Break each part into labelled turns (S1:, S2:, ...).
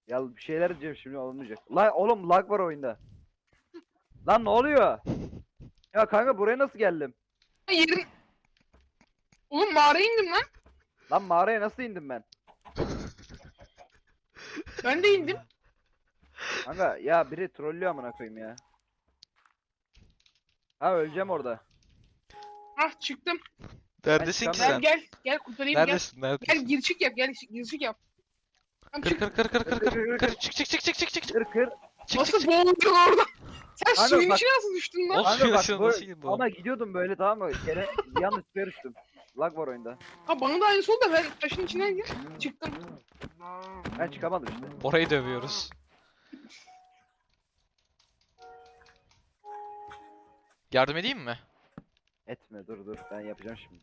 S1: Ya bir şeyler diyeceğim şimdi olmayacak. Lan oğlum lag var oyunda. Lan ne oluyor? Ya kanka buraya nasıl geldim?
S2: Yerin... Oğlum mağaraya indim lan.
S1: Lan mağaraya nasıl indim ben?
S2: Ben de indim.
S1: Kanka ya biri trollüyor amına koyayım ya. Ha öleceğim orada.
S2: Ah çıktım.
S3: Neredesin ki
S1: çıkamıyorum.
S3: sen?
S2: Gel kurtarayım gel.
S3: Neredesin?
S2: Gel
S3: Neredesin?
S2: gir çık yap gir çık yap. Tamam
S3: Kır
S2: çık.
S3: kır kır kır kır kır kır. Çık çık çık çık çık çık çık.
S1: Kır kır.
S3: Çık
S2: Nasıl
S3: çık.
S2: boğuldun orada? Sen
S1: Kanka
S2: suyun
S1: bak-
S2: içine nasıl düştün lan?
S3: Oğlum
S1: Kanka
S3: suyun
S1: bak
S3: içine
S1: bu
S3: nasıl girdi o?
S1: ama gidiyordum böyle tamam mı? Gene yanlış bir düştüm. Lag var oyunda.
S2: Ha bana da aynısı oldu da ben taşın içine gir. Çıktım.
S1: Ben çıkamadım işte.
S3: Bora'yı dövüyoruz. Yardım edeyim mi?
S1: Etme dur ben yapacağım şimdi.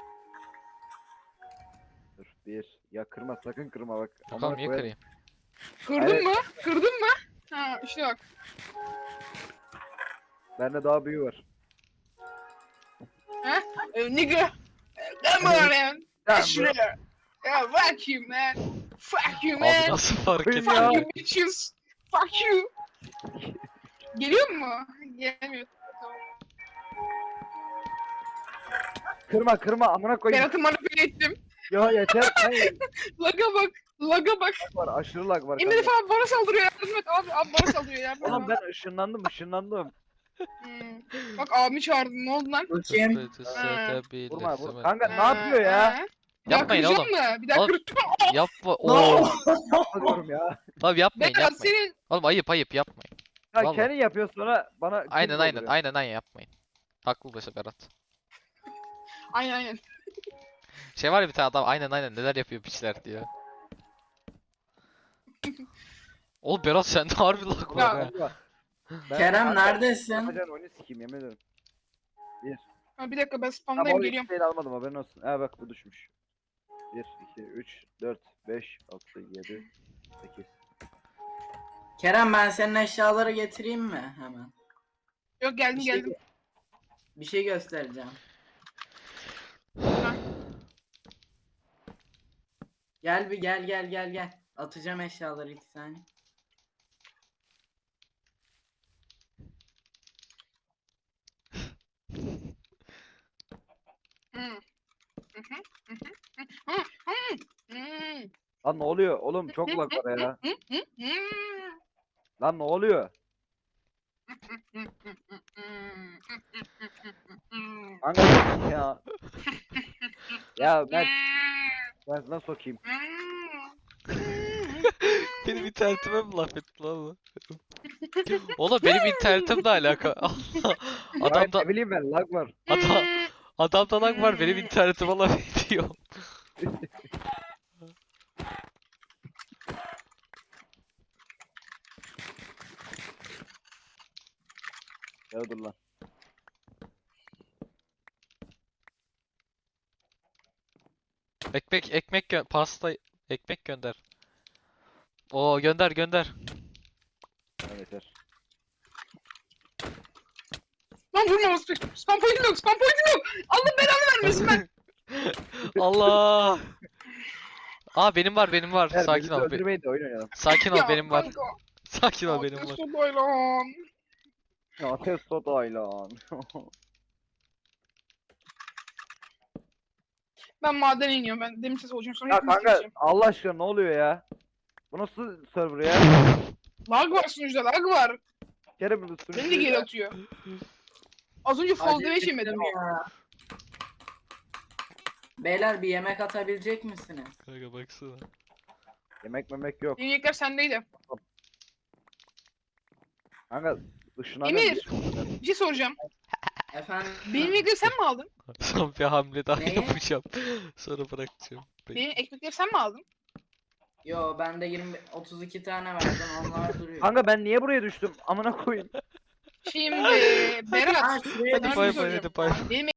S1: Dur bir. Ya kırma sakın kırma bak.
S3: Bakalım
S1: Amına
S3: niye
S1: koyarım.
S3: kırayım?
S2: Kırdın
S1: Evet.
S2: mı? Kırdın mı? Ha işte bak.
S1: Bende daha büyüğü var.
S2: Nigga. Come on man.
S1: Tamam,
S2: Şuraya. Yeah, fuck you man. Fuck you
S3: Abi
S2: man.
S3: nasıl fark
S1: Buyur
S3: ettin?
S1: ya.
S2: Fuck you bitches. Fuck you. Geliyor mu? Gelmiyor.
S1: Kırma amına koyayım.
S2: Berat'ı manipüle ettim.
S1: Ya yeter. Hayır.
S2: Laga bak. Laga bak.
S1: Lag var aşırı lag var.
S2: Emir
S1: kanka.
S2: falan bana saldırıyor yardım et abi bana saldırıyor yardım et.
S1: Oğlum ben ışınlandım.
S2: Bak abimi çağırdın ne oldu lan?
S4: Bakayım.
S1: Vurma vur. Kanka ne yapıyor ya?
S2: Bir daha
S3: Yapmayın
S2: kıracağım
S3: oğlum.
S2: mı? Bir daha
S3: Oğlum,
S2: kıracağım.
S3: Yapma. Oo.
S1: Diyorum ya.
S3: Abi yapmayın
S2: Berat
S3: yapmayın.
S2: senin...
S3: Oğlum ayıp yapmayın.
S1: Ya
S3: Vallahi.
S1: kendi yapıyor sonra bana kim
S3: Aynen
S1: dolduruyor?
S3: yapmayın. Haklı başı Berat.
S2: Aynen.
S3: Şey var ya bir tane adam aynen neler yapıyor piçler diyor. Oğlum Berat sende harbi lag var
S2: Ya.
S3: ha.
S1: Kanka, ben-
S4: Kerem
S1: kanka,
S4: neredesin?
S1: Yapacağın oyunu sikeyim yemin ederim.
S2: Ha, bir dakika ben
S1: Ama
S2: spamdayım
S1: o
S2: geliyorum.
S1: şeyi almadım haberin olsun. Ha bak bu düşmüş. 1, 2, 3, 4, 5, 6, 7, 8.
S4: Kerem ben senin eşyaları getireyim mi hemen?
S2: Yok geldim
S4: Bir şey,
S2: geldim.
S4: bir şey göstereceğim. Gel bir gel. Atacağım eşyaları 2 saniye.
S2: Hı. Hı hı, hı hı, hı hı, hı,
S1: Lan ne oluyor? Oğlum çok lag var ya.
S2: hı, hı, hı.
S1: Lan ne oluyor? Kanka ya. Ya ben nasıl sokayım?
S3: Benim internetime mi laf etti lan bu? Oğlum benim internetimle alaka.
S1: Adam
S3: Adamda
S1: ne bileyim ben lag var.
S3: adamda lag var benim internetime laf ediyor.
S1: Ya dur lan.
S3: Pasta ekmek gönder. Oo gönder.
S1: Evet yeter.
S2: Lan vurma spam point'im yok spam point'im yok. Allah belanı vermesin ben.
S3: Allah. Aa benim var.
S1: Ver,
S3: Sakin
S1: bizi
S3: ol.
S1: öldürmeyin de oyun oynayalım.
S3: Sakin ol
S2: Ya
S3: benim var.
S2: kanka,
S3: Sakin ol
S2: ya
S3: benim var.
S2: testo baylan.
S1: Ya testo daylan.
S2: Ben maden iniyorum ben demir ses olacağım sonra
S1: Ya
S2: hepinizi
S1: kanka
S2: keseceğim.
S1: Allah aşkına ne oluyor ya? Bu nasıl server ya?
S2: Lag var sunucuda lag var.
S1: Kere bunu
S2: Beni de geri atıyor. Az önce fall damage
S4: Acil
S2: yemedim.
S4: ettim ya. Beyler bir yemek atabilecek misiniz?
S3: Kanka baksana.
S1: Yemek memek yok.
S2: Yemekler sendeydi.
S1: Kanka ışına
S2: Emir. Bir şey soracağım.
S4: Efendim?
S2: Benim yemekleri sen mi aldın?
S3: Son bir hamle daha
S4: Ne?
S3: yapacağım. Sonra bırakacağım.
S2: Benim ekmekleri sen mi aldın?
S4: Yo bende 32 tane vardı onlar duruyor.
S1: Kanka ben niye buraya düştüm? Amına koyayım.
S2: Şimdi Berat.
S4: Ha, şuraya
S2: Sana bir şey
S3: Bay bay
S2: soracağım.
S3: hadi bay.
S2: Benim